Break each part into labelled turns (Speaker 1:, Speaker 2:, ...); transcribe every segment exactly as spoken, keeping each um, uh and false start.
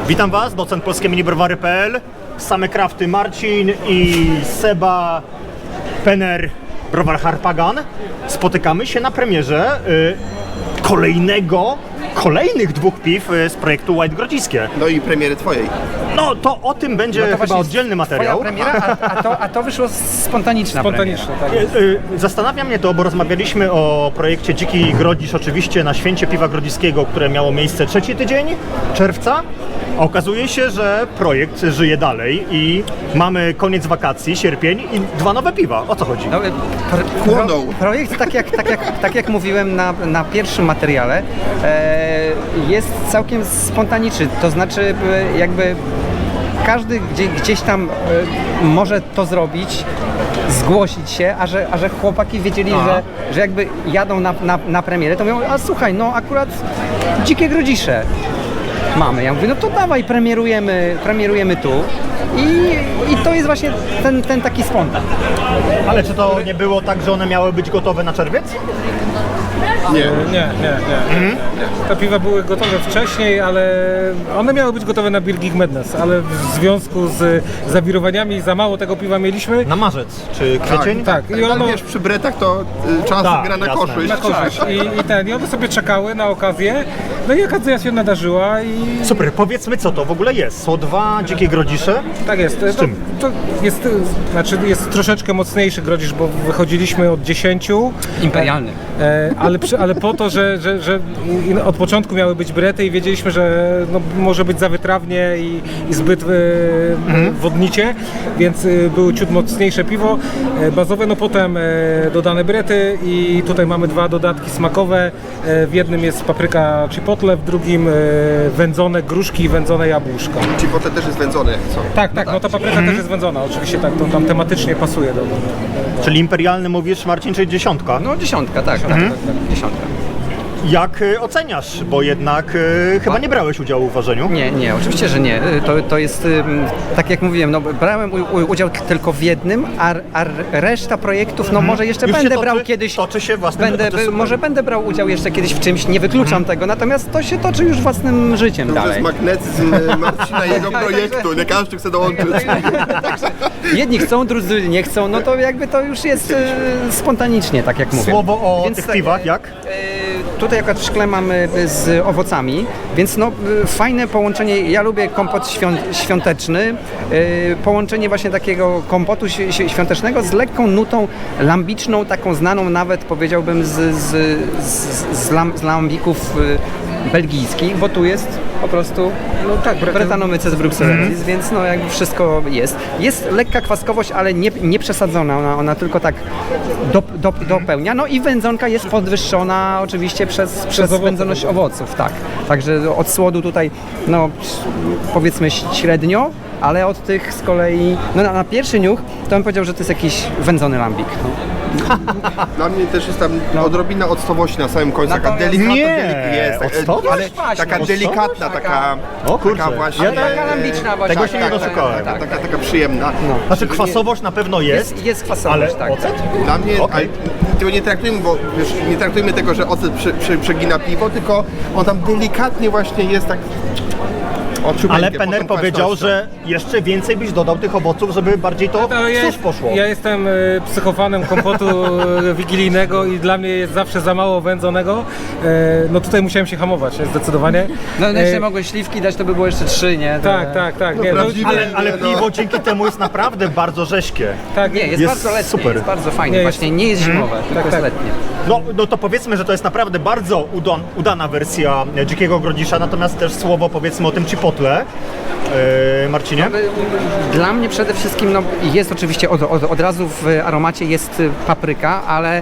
Speaker 1: Witam Was, docent polskie minibrowary kropka p l, same krafty Marcin i Seba Penner, browar Harpagan. Spotykamy się na premierze y, kolejnego, kolejnych dwóch piw y, z projektu White Grodziskie.
Speaker 2: No i premiery twojej.
Speaker 1: No to o tym będzie
Speaker 3: No to
Speaker 1: chyba
Speaker 3: właśnie
Speaker 1: oddzielny materiał.
Speaker 3: Twoja premiera, a, a, to, a to wyszło spontaniczna
Speaker 4: Spontanicznie,
Speaker 3: premiera.
Speaker 4: tak.
Speaker 1: Y, y, Zastanawia mnie to, bo rozmawialiśmy o projekcie Dziki Grodzisz oczywiście na Święcie Piwa Grodziskiego, które miało miejsce trzeci tydzień czerwca. A okazuje się, że projekt żyje dalej i mamy koniec wakacji, sierpień i dwa nowe piwa. O co chodzi?
Speaker 3: No, pro, pro,
Speaker 2: Płonął.
Speaker 3: projekt, tak jak, tak, jak, tak jak mówiłem na, na pierwszym materiale, e, jest całkiem spontaniczny. To znaczy e, jakby każdy gdzie, gdzieś tam e, może to zrobić, zgłosić się, a że, a że chłopaki wiedzieli, że, że jakby jadą na, na, na premierę, to mówią, a słuchaj, no akurat Dzikie Grodzisze mamy. Ja mówię, no to dawaj, premierujemy, premierujemy tu. I, I to jest właśnie ten, ten taki spontan.
Speaker 1: Ale czy to nie było tak, że one miały być gotowe na czerwiec?
Speaker 2: Nie.
Speaker 4: Nie, nie, nie.
Speaker 1: Mhm.
Speaker 4: Te piwa były gotowe wcześniej, ale one miały być gotowe na Beer Geek Madness, ale w związku z zawirowaniami za mało tego piwa mieliśmy.
Speaker 1: Na marzec czy kwiecień?
Speaker 4: Tak,
Speaker 2: I
Speaker 4: i ono
Speaker 2: wiesz, przy bretach to y, czas
Speaker 1: Tak,
Speaker 2: gra na
Speaker 1: jasne.
Speaker 2: koszu.
Speaker 4: na korzyść. I, i ten, i one sobie czekały na okazję. No i okazja się nadarzyła i
Speaker 1: Super, powiedzmy co to w ogóle jest. Są dwa Dzikie Grodzisze.
Speaker 4: tak jest.
Speaker 1: Z
Speaker 4: to,
Speaker 1: czym?
Speaker 4: to jest, znaczy jest troszeczkę mocniejszy grodzisz, bo wychodziliśmy od dziesięciu.
Speaker 3: Imperialny.
Speaker 4: E, ale, przy, ale po to, że, że, że i od początku miały być brety i wiedzieliśmy, że no, może być za wytrawnie i, i zbyt e,
Speaker 1: Mhm.
Speaker 4: wodnicie, więc e, były ciut mocniejsze piwo e, bazowe, no potem e, dodane brety i tutaj mamy dwa dodatki smakowe. E, w jednym jest papryka chipotle, w drugim e, wędzone gruszki i wędzone jabłuszka.
Speaker 2: Ci potem też jest wędzony, jak co?
Speaker 4: Tak, tak, no ta papryka też jest wędzona, oczywiście tak, to tam tematycznie pasuje do, do, do,
Speaker 1: Czyli imperialny mówisz, Marcin, czyli dziesiątka.
Speaker 3: No dziesiątka, tak, tak, tak, tak, dziesiątka.
Speaker 1: Jak y, oceniasz? Bo jednak y, chyba nie brałeś udziału w ważeniu.
Speaker 3: Nie, nie, oczywiście, że nie. To, to jest, ym, tak jak mówiłem, no, brałem u, u, udział t- tylko w jednym, a, a reszta projektów, no może jeszcze
Speaker 1: Już się
Speaker 3: będę
Speaker 1: toczy-
Speaker 3: brał kiedyś,
Speaker 1: toczy się własnym-
Speaker 3: będę,
Speaker 1: to jest super.
Speaker 3: może będę brał udział jeszcze kiedyś w czymś, nie wykluczam tego, natomiast to się toczy już własnym życiem
Speaker 2: To już
Speaker 3: dalej.
Speaker 2: jest magnetyzm y, Marcina i jego projektu. Nie każdy chce dołączyć.
Speaker 3: Jedni chcą, drudzy nie chcą, no to jakby to już jest y, spontanicznie, tak jak mówię.
Speaker 1: Słowo o
Speaker 3: Więc
Speaker 1: tych
Speaker 3: tak,
Speaker 1: piwach, jak?
Speaker 3: y, Tutaj akurat w szkle mamy z owocami, więc no y, fajne połączenie, ja lubię kompot świąt, świąteczny, y, połączenie właśnie takiego kompotu ś, ś, świątecznego z lekką nutą lambiczną, taką znaną nawet powiedziałbym z, z, z, z, lam, z lambików y, belgijskich, bo tu jest po prostu
Speaker 4: no tak,
Speaker 3: Brettanomyces bruxellensis, więc no jakby wszystko jest. Jest lekka kwaskowość, ale nie, nie przesadzona, ona, ona tylko tak do, do, dopełnia. No i wędzonka jest podwyższona oczywiście przez, przez
Speaker 4: owoce.
Speaker 3: wędzoność owoców, tak. Także od słodu tutaj, no powiedzmy średnio, ale od tych z kolei, no na, na pierwszy niuch to bym powiedział, że to jest jakiś wędzony lambik. No.
Speaker 2: Dla mnie też jest tam odrobina octowości na samym końcu. Taka
Speaker 3: Natomiast-
Speaker 2: delikatna
Speaker 1: Nie,
Speaker 2: delik- jest, tak,
Speaker 1: octowość?
Speaker 2: ale
Speaker 3: Właśnie,
Speaker 2: taka
Speaker 3: octowość?
Speaker 2: delikatna, taka,
Speaker 1: O kurczę.
Speaker 2: taka właśnie.
Speaker 1: Ja
Speaker 3: taka lambiczna właśnie.
Speaker 1: Tego się nie
Speaker 3: tak,
Speaker 1: doszukałem.
Speaker 3: tak, tak,
Speaker 2: Taka, taka przyjemna.
Speaker 3: No.
Speaker 1: Znaczy kwasowość na pewno jest,
Speaker 3: Jest, jest kwasowość,
Speaker 1: ale
Speaker 3: tak.
Speaker 1: ocet?
Speaker 2: Dla mnie,
Speaker 1: Okej.
Speaker 2: ale tego nie traktujmy, bo wiesz, nie traktujmy tego, że ocet przy, przy, przegina piwo, tylko on tam delikatnie właśnie jest tak. o ciupeńkę,
Speaker 1: Ale
Speaker 2: pod
Speaker 1: Penner
Speaker 2: tą
Speaker 1: powiedział,
Speaker 2: kwaśnością.
Speaker 1: że jeszcze więcej byś dodał tych owoców, żeby bardziej to
Speaker 4: No, ja,
Speaker 1: w sos
Speaker 4: jest,
Speaker 1: poszło.
Speaker 4: ja jestem e, psychofanem kompotu e, wigilijnego i dla mnie jest zawsze za mało wędzonego. E, no tutaj musiałem się hamować e, zdecydowanie.
Speaker 3: No
Speaker 4: E,
Speaker 3: jeszcze mogłeś śliwki dać, to by było jeszcze trzy, nie? To-
Speaker 4: tak, tak, tak. Nie, no,
Speaker 2: prawdziwe-
Speaker 1: Ale, ale
Speaker 2: No.
Speaker 1: piwo dzięki temu jest naprawdę bardzo rześkie.
Speaker 4: tak,
Speaker 3: Nie, jest,
Speaker 1: Jest
Speaker 3: bardzo letnie,
Speaker 1: super.
Speaker 3: jest bardzo fajnie,
Speaker 4: Nie, jest-
Speaker 3: właśnie nie jest zimowe, tylko
Speaker 4: tak,
Speaker 3: jest
Speaker 4: tak.
Speaker 3: letnie.
Speaker 1: No, no to powiedzmy, że to jest naprawdę bardzo udan, udana wersja Dzikiego Grodzisza, natomiast też słowo powiedzmy o tym chipotle. Yy, Marcinie?
Speaker 3: Dla mnie przede wszystkim no, jest oczywiście od, od, od razu w aromacie jest papryka, ale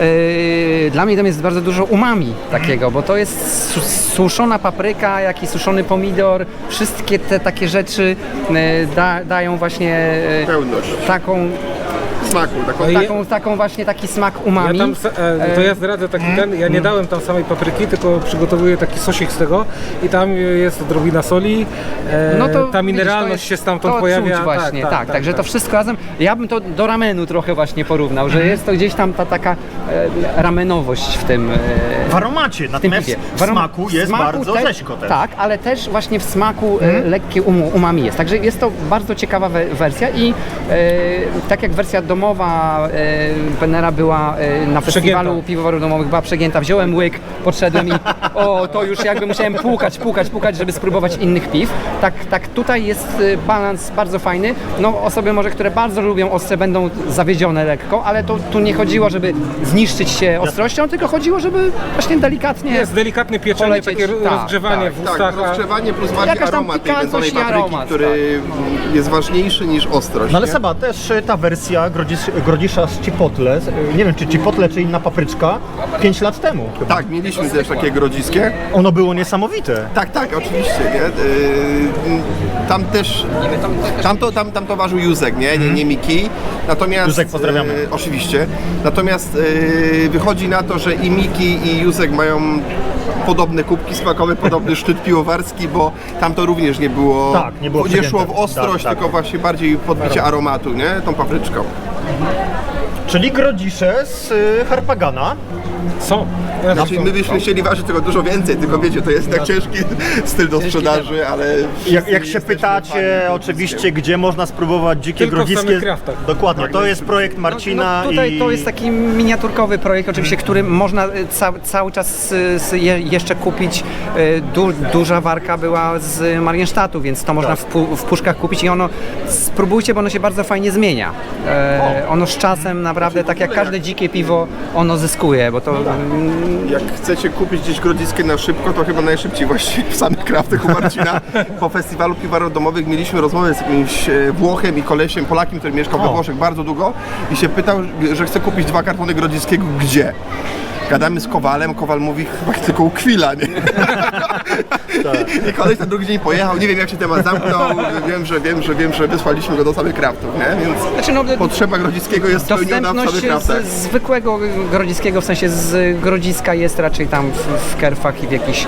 Speaker 3: yy, dla mnie tam jest bardzo dużo umami takiego, bo to jest su suszona papryka, jak i suszony pomidor, wszystkie te takie rzeczy yy, da, dają właśnie yy,
Speaker 2: Pełność.
Speaker 3: taką
Speaker 2: smaku. Taką,
Speaker 4: No i-
Speaker 3: Taką, taką właśnie taki smak umami.
Speaker 4: Ja tam, se- e, to ja zdradzę taki ten, ja nie dałem tam samej papryki, tylko przygotowuję taki sosik z tego i tam jest odrobina soli, e,
Speaker 3: No to
Speaker 4: ta
Speaker 3: widzisz,
Speaker 4: mineralność
Speaker 3: to jest-
Speaker 4: się stamtąd
Speaker 3: to
Speaker 4: pojawia.
Speaker 3: Czuć właśnie, tak, tak, także to wszystko razem. Ja bym to do ramenu trochę właśnie porównał, że jest to gdzieś tam ta taka e, ramenowość w tym. E,
Speaker 1: W aromacie,
Speaker 3: w tym
Speaker 1: natomiast
Speaker 3: piwie.
Speaker 1: w smaku jest
Speaker 3: smaku
Speaker 1: bardzo
Speaker 3: też-
Speaker 1: rzeźko też.
Speaker 3: Tak, ale też właśnie w smaku e, lekkie um, umami jest. Także jest to bardzo ciekawa we, wersja i e, tak jak wersja domowa e, Penera była e, na festiwalu
Speaker 4: Przegięta.
Speaker 3: piwowarów domowych, była przegięta, wziąłem łyk, podszedłem i o, to już jakby musiałem płukać, płukać, płukać, żeby spróbować innych piw. Tak, tak tutaj jest e, balans bardzo fajny. No osoby może, które bardzo lubią ostre, będą zawiedzione lekko, ale to tu nie chodziło, żeby zniszczyć się ostrością, tylko chodziło, żeby właśnie delikatnie.
Speaker 4: Jest delikatne pieczenie,
Speaker 3: polecieć,
Speaker 4: takie
Speaker 3: tak,
Speaker 4: rozgrzewanie
Speaker 3: tak,
Speaker 4: w
Speaker 2: tak,
Speaker 4: ustach. a-
Speaker 2: rozgrzewanie plus bardziej
Speaker 3: Jakaś tam
Speaker 2: aromat tej
Speaker 3: pikantność
Speaker 2: wędzonej
Speaker 3: i
Speaker 2: papryki,
Speaker 3: aromat,
Speaker 2: który jest ważniejszy niż ostrość.
Speaker 1: No ale
Speaker 2: nie?
Speaker 1: Seba, też y, ta wersja grodzis, grodzisza z chipotle, z- y, nie wiem czy chipotle, czy inna papryczka, pięć lat temu chyba.
Speaker 2: Tak, mieliśmy też takie grodziskie.
Speaker 1: Ono było niesamowite.
Speaker 2: Tak, tak, oczywiście, nie? Yy, tam też, tam to, tam, tam to ważył Józek, nie? Nie, nie Miki. Natomiast,
Speaker 1: Józek, pozdrawiamy.
Speaker 2: yy, oczywiście. Natomiast yy, wychodzi na to, że i Miki i Józek mają podobne kubki smakowe, podobny szczyt piwowarski, bo tam to również nie było,
Speaker 1: Tak, nie było
Speaker 2: nie szło w
Speaker 1: przegięte.
Speaker 2: ostrość,
Speaker 1: Tak, tak.
Speaker 2: tylko właśnie bardziej podbicie aromatu, nie? Tą papryczką.
Speaker 1: Czyli grodzisze z y, Harpagana.
Speaker 4: Są.
Speaker 2: Znaczy my byśmy chcieli ważyć tego dużo więcej, tylko wiecie, to jest tak ciężki styl do sprzedaży, ale...
Speaker 1: Jak,
Speaker 2: wszyscy
Speaker 1: jak się
Speaker 2: jesteśmy
Speaker 1: pytacie
Speaker 2: fanami
Speaker 1: oczywiście, gdzie można spróbować dzikie
Speaker 4: Tylko w
Speaker 1: grodziskie...
Speaker 4: samych kraftach.
Speaker 1: Dokładnie, to jest projekt Marcina
Speaker 3: No, tutaj
Speaker 1: i...
Speaker 3: to jest taki miniaturkowy projekt, oczywiście, który można e, ca, cały czas e, s- je, jeszcze kupić. E, Du, duża warka była z Marienstadtu, więc to można w, pu, w puszkach kupić i ono, spróbujcie, bo ono się bardzo fajnie zmienia. E, ono z czasem naprawdę, tak jak każde dzikie piwo, ono zyskuje, bo to... mm,
Speaker 2: Jak chcecie kupić gdzieś grodziskie na szybko, to chyba najszybciej właściwie w samych kraftach u Marcina. Po festiwalu piwarów domowych mieliśmy rozmowę z jakimś e, Włochem i kolesiem, Polakiem, który mieszkał we
Speaker 1: O.
Speaker 2: Włoszech bardzo długo i się pytał, że chce kupić dwa kartony grodziskiego gdzie? Gadamy z Kowalem, Kowal mówi chyba tylko u Kwila, nie? I koleś na drugi dzień pojechał, nie wiem jak się temat zamknął, wiem, że wiem, że wiem, że wysłaliśmy go do samych kraftów, nie? Więc
Speaker 3: Znaczy, no,
Speaker 2: potrzeba grodziskiego jest spełniona w
Speaker 3: dostępność
Speaker 2: samych kraftach.
Speaker 3: z, zwykłego grodziskiego, w sensie z grodziska jest raczej tam w, w Kerfach i w jakichś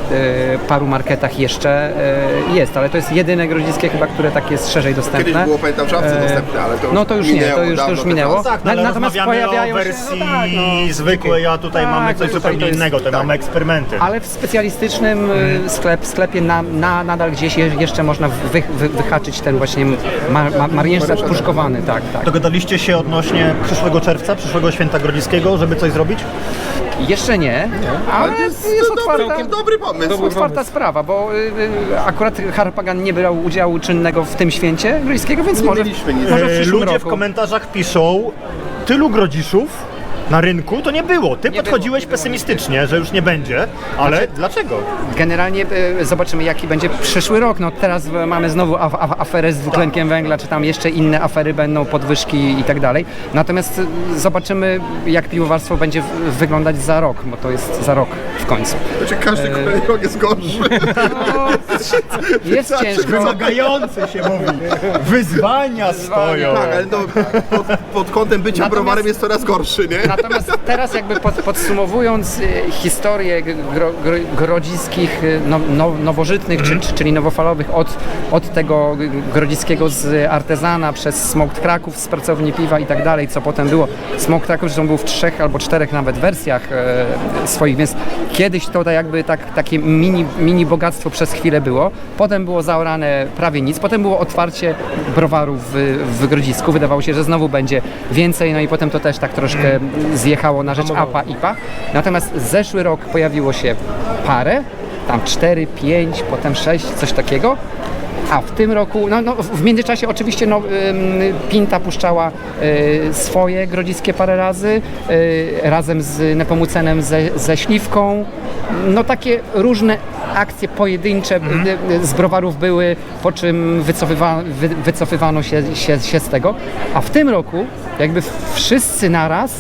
Speaker 3: e, paru marketach jeszcze e, jest, ale to jest jedyne grodziskie chyba, które tak jest szerzej dostępne.
Speaker 2: Kiedyś było, pamiętam, w Szafce
Speaker 3: E,
Speaker 2: dostępne, ale to już
Speaker 3: No to już nie,
Speaker 2: minęło
Speaker 3: to już, to
Speaker 2: dawno
Speaker 3: już
Speaker 2: te
Speaker 3: minęło.
Speaker 2: czasy.
Speaker 1: Tak, no, ale
Speaker 3: Natomiast
Speaker 1: rozmawiamy o
Speaker 3: pojawiają się,
Speaker 1: wersji
Speaker 3: no tak, no,
Speaker 1: zwykłej, a tutaj
Speaker 3: Tak,
Speaker 1: mamy
Speaker 3: to
Speaker 1: coś
Speaker 3: tutaj
Speaker 1: zupełnie
Speaker 3: to jest-
Speaker 1: innego, tutaj
Speaker 2: tak.
Speaker 1: mamy eksperymenty.
Speaker 3: ale w specjalistycznym y, sklep, sklepie na, na, nadal gdzieś je, jeszcze można wy, wy, wyhaczyć ten właśnie ma, ma, mariensztat puszkowany, tak, tak.
Speaker 1: Dogadaliście się odnośnie przyszłego czerwca, przyszłego święta grodziskiego, żeby coś zrobić?
Speaker 3: Jeszcze nie, ale
Speaker 2: to
Speaker 3: jest,
Speaker 2: jest
Speaker 3: otwarta,
Speaker 2: dobry, dobry pomysł.
Speaker 4: Dobry
Speaker 3: otwarta
Speaker 4: pomysł.
Speaker 3: sprawa, bo y, y, akurat Harpagan nie brał udziału czynnego w tym święcie grodziskiego, więc
Speaker 2: Nie
Speaker 3: może,
Speaker 2: mieliśmy nic.
Speaker 3: może w
Speaker 1: E,
Speaker 3: przyszłym
Speaker 1: Ludzie w
Speaker 3: roku.
Speaker 1: komentarzach piszą, tylu grodziszów na rynku to nie było. Ty
Speaker 3: Nie
Speaker 1: podchodziłeś
Speaker 3: było, nie
Speaker 1: pesymistycznie, że już nie będzie, ale
Speaker 3: Znaczy-
Speaker 1: dlaczego?
Speaker 3: Generalnie y, zobaczymy, jaki będzie przyszły rok. No teraz y, mamy znowu af af aferę z dwutlenkiem węgla, czy tam jeszcze inne afery będą, podwyżki i tak dalej. Natomiast y, zobaczymy, jak piwowarstwo będzie w- wyglądać za rok, bo to jest za rok w końcu.
Speaker 2: Znaczy każdy kolejny rok jest gorszy.
Speaker 3: No, jest ciężko.
Speaker 1: Wymagający się mówi. Wyzwania stoją.
Speaker 2: Tak, ale no, pod, pod kątem bycia
Speaker 3: Natomiast-
Speaker 2: browarem jest coraz gorszy, nie?
Speaker 3: Natomiast teraz jakby pod, podsumowując y, historię gro, gro, grodziskich, y, no, no, nowożytnych, czy, czy, czyli nowofalowych od, od tego grodziskiego z artezana przez Smoked Kraków z pracowni piwa i tak dalej, co potem było. Smoked Kraków zresztą był w trzech albo czterech nawet wersjach e, swoich, więc kiedyś to tak jakby tak, takie mini, mini bogactwo przez chwilę było. Potem było zaorane prawie nic, potem było otwarcie browaru w, w Grodzisku. Wydawało się, że znowu będzie więcej, no i potem to też tak troszkę zjechało na rzecz A P A, I P A. Natomiast zeszły rok pojawiło się parę, tam cztery, pięć, potem sześć, coś takiego. A w tym roku, no, no w międzyczasie oczywiście no, ym, Pinta puszczała y, swoje grodziskie parę razy, y, razem z Nepomucenem ze, ze Śliwką. No takie różne akcje pojedyncze y, y, z browarów były, po czym wycofywa, wy, wycofywano się, się, się z tego. A w tym roku jakby wszyscy naraz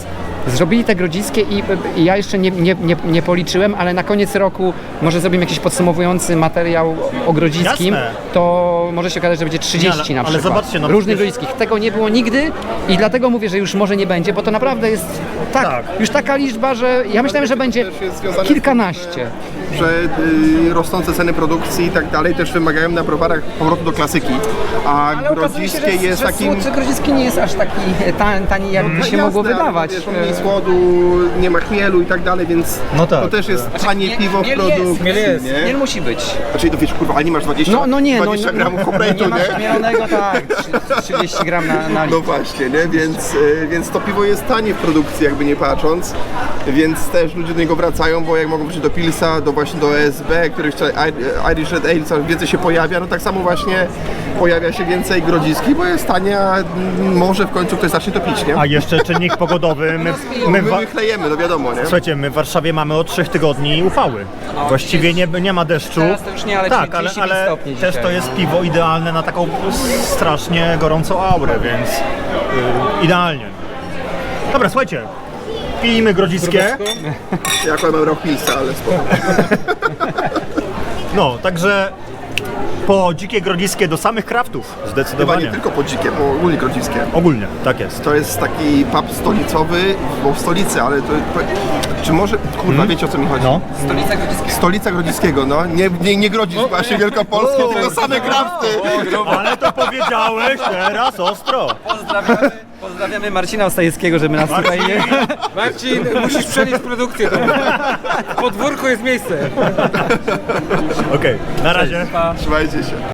Speaker 3: Zrobili te grodziskie i, i ja jeszcze nie, nie, nie, nie policzyłem, ale na koniec roku może zrobimy jakiś podsumowujący materiał o grodziskim,
Speaker 1: Jasne.
Speaker 3: to może się okazać, że będzie trzydzieści
Speaker 1: Nie, ale-
Speaker 3: na
Speaker 1: ale
Speaker 3: przykład.
Speaker 1: zobaczcie, no
Speaker 3: różnych
Speaker 1: przecież-
Speaker 3: grodziskich. Tego nie było nigdy i dlatego mówię, że już może nie będzie, bo to naprawdę jest tak,
Speaker 1: Tak.
Speaker 3: już taka liczba, że ja myślałem, że będzie
Speaker 2: też jest związane z
Speaker 3: kilkanaście.
Speaker 2: że y, rosnące ceny produkcji i tak dalej też wymagają na browarach powrotu do klasyki, a
Speaker 3: Ale okazuje się,
Speaker 2: grodziskie
Speaker 3: że,
Speaker 2: jest
Speaker 3: że
Speaker 2: takim...
Speaker 3: słodszy grodziski nie jest aż taki tani, tani jakby się
Speaker 2: No
Speaker 3: mogło
Speaker 2: jasne,
Speaker 3: wydawać.
Speaker 2: Ale, wiesz, mniej słodu, nie ma chmielu i tak dalej, więc
Speaker 1: No tak,
Speaker 2: to też jest tanie
Speaker 3: nie-
Speaker 2: piwo w
Speaker 3: chmiel jest,
Speaker 2: produkcji,
Speaker 4: chmiel jest.
Speaker 2: nie?
Speaker 3: Nie musi być.
Speaker 2: Znaczy, to wiesz, kurwa, ale nie masz dwadzieścia,
Speaker 3: No, no nie, no,
Speaker 2: dwadzieścia
Speaker 3: no,
Speaker 2: gramów
Speaker 3: no,
Speaker 2: kompletu,
Speaker 3: nie masz
Speaker 2: nie?
Speaker 3: mielonego, tak, trzydzieści gram na, na
Speaker 2: No
Speaker 3: litr.
Speaker 2: właśnie, nie? Więc, y, więc to piwo jest tanie w produkcji, jakby nie patrząc, więc też ludzie do niego wracają, bo jak mogą wrócić do Pilsa, do właśnie do E S B, który jeszcze I- Irish Red Ale coraz więcej się pojawia, no tak samo właśnie pojawia się więcej grodziski, bo jest tanie, a mm, może w końcu ktoś zacznie to pić, nie?
Speaker 1: A jeszcze czynnik pogodowy. My, my,
Speaker 2: My
Speaker 1: wa-
Speaker 2: wychlejemy, no wiadomo, nie?
Speaker 1: Słuchajcie, my w Warszawie mamy od trzech tygodni upały. Właściwie nie, nie ma deszczu.
Speaker 3: Teraz to już nie, ale
Speaker 1: tak, ale,
Speaker 3: trzydzieści pięć
Speaker 1: ale
Speaker 3: stopni
Speaker 1: też
Speaker 3: dzisiaj.
Speaker 1: to jest piwo idealne na taką strasznie gorącą aurę, więc y, idealnie. Dobra, słuchajcie, pijmy grodziskie.
Speaker 2: Ja akurat mam rok Pilsa, ale spoko.
Speaker 1: No, także po dzikie grodziskie do samych kraftów,
Speaker 2: Chyba
Speaker 1: zdecydowanie.
Speaker 2: nie tylko po dzikie, bo ogólnie grodziskie.
Speaker 1: Ogólnie, tak jest.
Speaker 2: To jest taki pub stolicowy, bo w stolicy, ale to... to czy może... Kurwa, wiecie o co mi chodzi?
Speaker 1: No.
Speaker 3: Stolica Grodziska.
Speaker 2: Stolica Grodziskiego, no. Nie, nie, nie Grodzisk właśnie Wielkopolski, tylko same krafty.
Speaker 1: Ale to powiedziałeś teraz ostro.
Speaker 3: Pozdrawiamy, pozdrawiamy Marcina Ostajewskiego, żeby nas tutaj nie...
Speaker 4: Marcin, musisz przenieść produkcję. W podwórku jest miejsce.
Speaker 1: Okej, na razie.
Speaker 2: Trzymajcie się.